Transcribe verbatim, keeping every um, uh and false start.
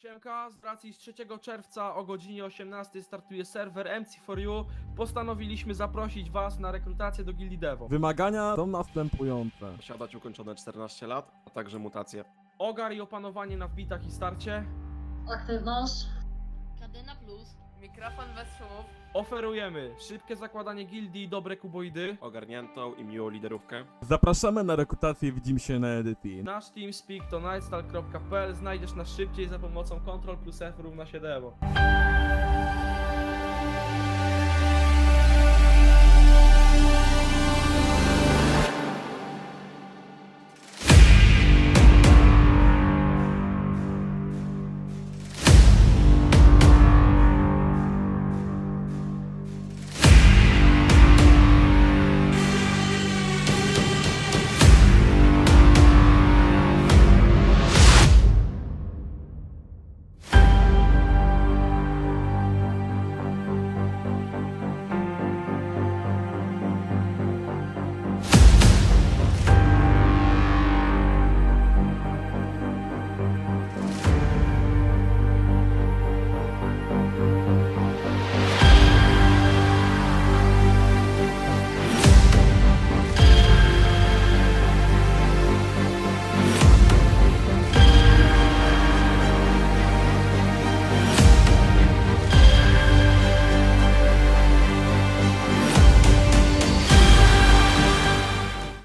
Siemka, z racji z trzeciego czerwca o godzinie osiemnastej startuje serwer M C four U. Postanowiliśmy zaprosić was na rekrutację do Gildii Devo. Wymagania są następujące. Posiadać ukończone czternaście lat, a także mutacje. Ogar i opanowanie na wbitach i starcie. Aktywność. Kadyna plus. Mikrofon bez szumów. Oferujemy szybkie zakładanie gildii i dobre kuboidy. Ogarniętą i miłą liderówkę. Zapraszamy na rekrutację, widzimy się na edycji. Nasz TeamSpeak to nightstal kropka p l. Znajdziesz nas szybciej za pomocą Ctrl plus F równa się Devo.